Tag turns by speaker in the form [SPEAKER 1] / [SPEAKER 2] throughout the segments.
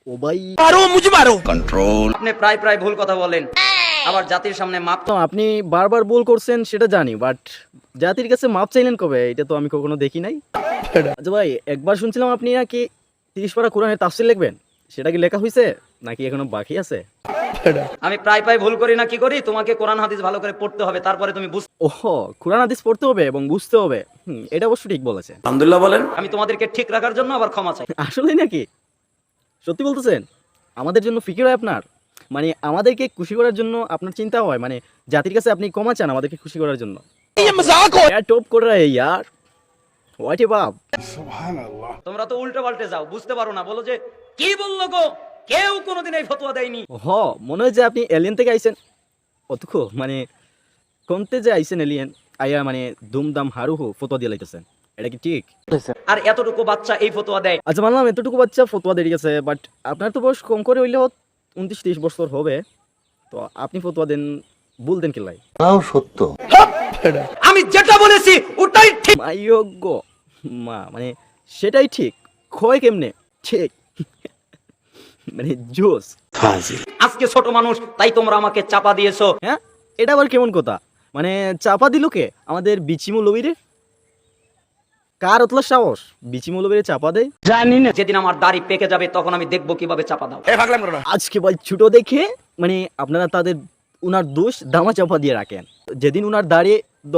[SPEAKER 1] ও ভাই মারো মুঝে মারো কন্ট্রোল।
[SPEAKER 2] আপনি প্রায় প্রায় ভুল কথা বলেন, আবার জাতির সামনে মাপ
[SPEAKER 1] তো আপনি বারবার ভুল করছেন সেটা জানি, বাট জাতির কাছে মাপ চাইলেন কবে? এটা তো আমি কখনো দেখি নাই। আচ্ছা ভাই, একবার শুনছিলাম আপনি নাকি 30 পারা কোরআনের তাফসীর লিখবেন, সেটা কি লেখা হয়েছে নাকি এখনো বাকি আছে?
[SPEAKER 2] আমি প্রায় প্রায় ভুল করি না কি করি? তোমাকে কোরআন হাদিস ভালো করে পড়তে হবে, তারপরে তুমি বুঝতে।
[SPEAKER 1] ওহো, কোরআন হাদিস পড়তে হবে এবং বুঝতে হবে। এটা অবশ্য ঠিক বলেছেন।
[SPEAKER 3] আলহামদুলিল্লাহ বলেন।
[SPEAKER 2] আমি তোমাদেরকে ঠিক রাখার জন্য আবার ক্ষমা চাই।
[SPEAKER 1] আসলেই নাকি? সত্যি বলতেছেন? আমাদের জন্য ফিকির হয় আপনার? মানে আমাদেরকে খুশি করার জন্য আপনার চিন্তা হয়, মানে জাতির কাছে আপনি ক্ষমা চান আমাদেরকে খুশি করার জন্য? টপ করে ইয়ার হোয়াট এ বাপ।
[SPEAKER 2] তোমরা তো উল্টো পাল্টে যাও, বুঝতে পারো না, বলো যে কি বললো গো, কেউ কোনোদিন এই ফতোয়া দেয়নি।
[SPEAKER 1] মনে হয় যে আপনি এলিয়েন থেকে আইছেন। অতক্ষো মানে কোনতে যে আইছেন এলিয়েন আইয়া মানে দুমদাম হারুহু ফতোয়া দিয়ে লাইতেছেন, এটা কি ঠিক?
[SPEAKER 2] আর এতটুকু বাচ্চা এই ফতোয়া দেয়।
[SPEAKER 1] আচ্ছা মানলাম এতটুকু বাচ্চা ফতোয়া দিয়ে গেছে, বাট আপনার তো বয়স কম করে হইলেও 29-30 বছর হবে, তো আপনি ফতোয়া দেন ভুল দেন কিলাই?
[SPEAKER 3] তাও সত্য।
[SPEAKER 2] আমি যেটা বলেছি ওটাই ঠিক।
[SPEAKER 1] মাইয়োগ্য মা, মানে সেটাই ঠিক ক্ষয় কেমনে ঠিক মানে জোস।
[SPEAKER 2] আজকে ছোট মানুষ তাই তোমরা আমাকে চাপা দিয়েছো।
[SPEAKER 1] হ্যাঁ, এটা আবার কেমন কথা? মানে চাপা দিল কে? আমাদের বিচি মৌলবীরে? কার অতলা সাহস বিচি মৌলবীরে চাপা দেয়?
[SPEAKER 2] জানি না, যেদিন আমার দাড়ি পেকে যাবে তখন আমি দেখবো কিভাবে চাপা দাও।
[SPEAKER 1] আজকে ভাই ছোট দেখে মানে আপনারা তাদের উনার দোষ দামা চাপা দিয়ে রাখেন। যেদিন উনার দাঁড়িয়ে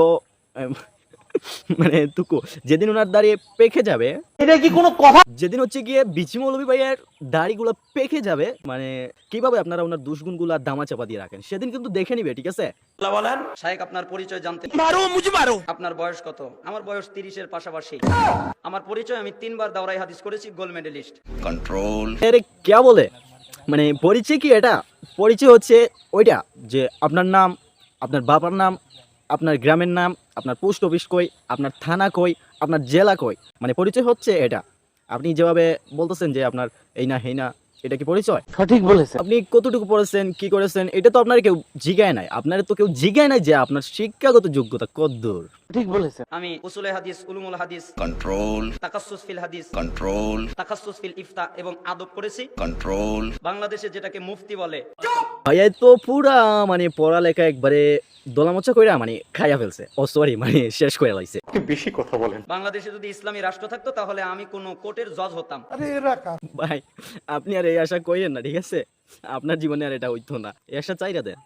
[SPEAKER 1] মানে তুকু যেদিন উনার দাঁড়িয়ে পেকে যাবে,
[SPEAKER 2] এটা কি কোনো কথা?
[SPEAKER 1] যেদিন হচ্ছে গিয়ে বিচি মৌলবী ভাইয়ের দাড়িগুলো পেকে যাবে, মানে কিভাবে আপনারা ওনার দুষ্গুণগুলো দামা চাপা দিয়ে রাখেন, সেদিন কিন্তু দেখে নিবে, ঠিক আছে?
[SPEAKER 3] বলেন।
[SPEAKER 2] শায়েখ আপনার পরিচয় জানতে।
[SPEAKER 1] মারো মুঝে মারো।
[SPEAKER 2] আপনার বয়স কত? আমার বয়স 30-এর পাশাপাশি। আমার পরিচয়, আমি 3বার দাওরাই হাদিস করেছি, গোল্ড মেডেলিস্ট।
[SPEAKER 3] কন্ট্রোল।
[SPEAKER 1] আরে কে বলে? মানে পরিচয় কি এটা? পরিচয় হচ্ছে ওইটা যে আপনার নাম, আপনার বাবার নাম, আপনার গ্রামের নাম, আপনার পোস্ট অফিস কই, আপনার থানা কই, আপনার জেলা কই, মানে পরিচয় হচ্ছে এটা। আপনি যেভাবে বলতেছেন যে আপনার এই না হেই না, এটা কি পরিচয়?
[SPEAKER 2] সঠিক বলেছেন।
[SPEAKER 1] আপনি কতটুকু পড়েছেন, কি করেছেন, এটা তো আপনার কেউ জিগায় নাই। আপনার তো কেউ জিগায় নাই যে আপনার শিক্ষাগত যোগ্যতা কতদূর।
[SPEAKER 2] ঠিক বলেছেন। আমি উসুলে হাদিস, উলুমুল হাদিস,
[SPEAKER 3] কন্ট্রোল।
[SPEAKER 2] তাকাসসুস ফিল হাদিস,
[SPEAKER 3] কন্ট্রোল।
[SPEAKER 2] তাকাসসুস ফিল ইফতা এবং আদব করেছি।
[SPEAKER 3] কন্ট্রোল।
[SPEAKER 2] বাংলাদেশে যেটাকে মুফতি বলে।
[SPEAKER 1] ভাইয়া তো পুরা মানে পড়ালেখা একবারে দোলামোচা কইরা মানে খাইয়া ফেলছে। ও সরি, মানে শেষ করে লাইছে।
[SPEAKER 3] বেশি কথা বলেন।
[SPEAKER 2] বাংলাদেশে যদি ইসলামী রাষ্ট্র থাকতো তাহলে আমি কোনো কোর্টের জজ হতাম।
[SPEAKER 1] ভাই আপনি আর এই আশা কইেন না, ঠিক আছে? আপনার জীবনে আর এটা হইতো না, এই আশা চাইরা দেন।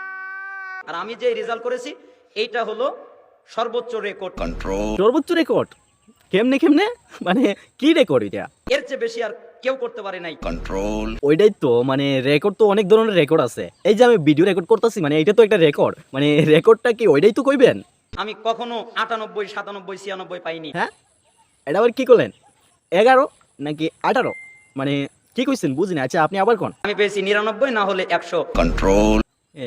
[SPEAKER 2] আর আমি যে রেজাল্ট করেছি এইটা হলো সর্বোচ্চ রেকর্ড।
[SPEAKER 3] কন্ট্রোল।
[SPEAKER 1] সর্বোচ্চ রেকর্ড? কেমনে কেমনে মানে কি রেকর্ড এটা?
[SPEAKER 2] এর চেয়ে বেশি আর কেউ করতে পারে নাই।
[SPEAKER 3] কন্ট্রোল।
[SPEAKER 1] ওইটাই তো, মানে রেকর্ড তো অনেক ধরনের রেকর্ড আছে। এই যে আমি ভিডিও রেকর্ড করতেছি, মানে এটা তো একটা রেকর্ড, মানে রেকর্ডটা কি ওইটাই তো কইবেন?
[SPEAKER 2] আমি কখনো 98, 97, 96 পাইনি।
[SPEAKER 1] হ্যাঁ, এটা আবার কি করলেন? 11 নাকি 18? মানে কি কইছেন বুঝি না। আচ্ছা আপনি আবার কোন?
[SPEAKER 2] আমি পেয়েছি 99 না হলে 100।
[SPEAKER 3] কন্ট্রোল।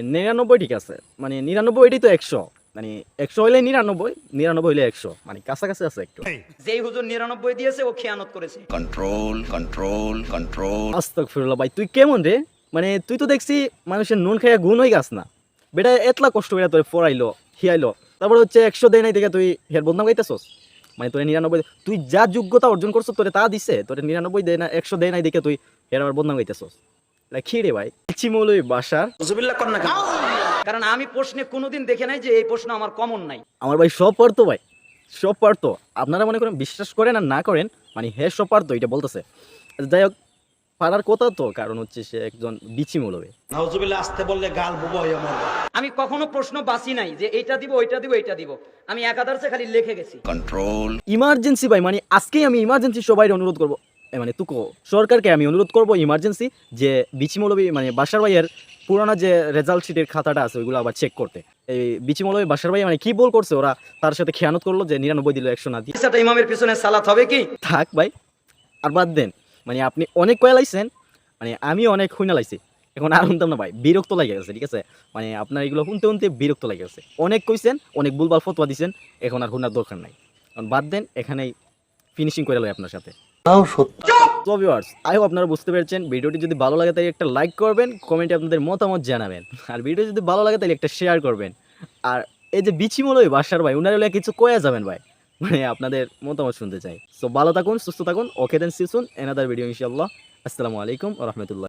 [SPEAKER 1] 99 ঠিক আছে, মানে 99 এটাই তো 100, মানে 100 হইলে 99, 99 হইলে 100, মানে কাছাকাছি আছে একটু।
[SPEAKER 2] যেই হুজুর 99 দিয়েছে ও খেয়ানত করেছে।
[SPEAKER 3] কন্ট্রোল। কন্ট্রোল। কন্ট্রোল।
[SPEAKER 1] আস্তাগফিরুল্লাহ, ভাই তুই কেমন রে? মানে তুই তো দেখছি মানুষের নুন খাইয়া গুণ হয়ে গাছ না। বেটা এতলা কষ্ট করে তোর পড়াইলো হিয়াইলো, তারপরে হচ্ছে 100 দেয় নাই দেখে তুই হের বদনাম গাইতেছস। মানে তোর 99, তুই যা যোগ্যতা অর্জন করছো তোরে তা দিছে, তোর 99 দেয় না, 100 দেয় নাই দেখে তুই হের আবার বদনাম গাইতেছস। কি রে ভাই, চিমলই বাসার।
[SPEAKER 3] হুজুবিল্লাহ কর না কেন?
[SPEAKER 2] কারণ আমি প্রশ্নে কোনোদিন দেখে নাই যে এই প্রশ্ন আমার কমন নাই।
[SPEAKER 1] আমার ভাই সব পারতো, ভাই সব পারতো। আপনারা মনে করেন বিশ্বাস করেন আর না করেন, মানে হে সব পারতো এটা বলতেছে। যাই হোক, পারার কথা তো, কারণ হচ্ছে সে একজন বিচি মৌলবী।
[SPEAKER 3] নাউজুবিল্লাহ আসতে বললে গাল বুবো হয়ে মরবে।
[SPEAKER 2] আমি কখনো প্রশ্ন বাসি নাই যে এইটা দিব ওইটা দিব এইটা দিব, আমি একাধারে খালি লিখে গেছি।
[SPEAKER 3] কন্ট্রোল।
[SPEAKER 1] ইমার্জেন্সি ভাই, মানে আজকেই আমি ইমার্জেন্সি সবাই অনুরোধ করবো, মানে তুকো সরকারকে আমি অনুরোধ করবো ইমার্জেন্সি, যে বিচি মৌলবী মানে বাসার ভাইয়ের পুরানা যে রেজাল্ট শিটের খাতাটা আছে ওইগুলো আবার চেক করতে। এই বিচি মৌলবী বাসার ভাই মানে কি বল করছে, ওরা তার সাথে খেয়ানত করলো যে 99 দিল 100 না দিয়ে।
[SPEAKER 2] সেটা ইমামের পিছনে সালাত হবে কি?
[SPEAKER 1] থাক ভাই, আর বাদ দেন। মানে আপনি অনেক কয়া লাইছেন, মানে আমি অনেক শুনে লাইছি, এখন আর শুনতাম না ভাই, বিরক্ত লাগে গেছে, ঠিক আছে? মানে আপনার এগুলো শুনতে শুনতে বিরক্ত লাগে গেছে। অনেক কইছেন, অনেক ভুলভাল ফতোয়া দিছেন, এখন আর শোনার দরকার নাই। এখন বাদ দেন, এখানেই ফিনিশিং করে লই আপনার সাথে।
[SPEAKER 3] তাও সত্য।
[SPEAKER 1] তো ভিউয়ার্স, আই হোপ আপনারা বুঝতে পেরেছেন। ভিডিওটি যদি ভালো লাগে তাহলে একটা লাইক করবেন, কমেন্টে আপনাদের মতামত জানাবেন, আর ভিডিও যদি ভালো লাগে তাহলে একটা শেয়ার করবেন। আর এই যে বিচি মৌলবী বাসার ভাই, উনার হলে কিছু কয়া যাবেন ভাই, মানে আপনাদের মতামত শুনতে চাই। সো ভালো থাকুন, সুস্থ থাকুন। Okay then, see soon another video ইনশাআল্লাহ। আসসালামু আলাইকুম ওয়া রাহমাতুল্লাহ।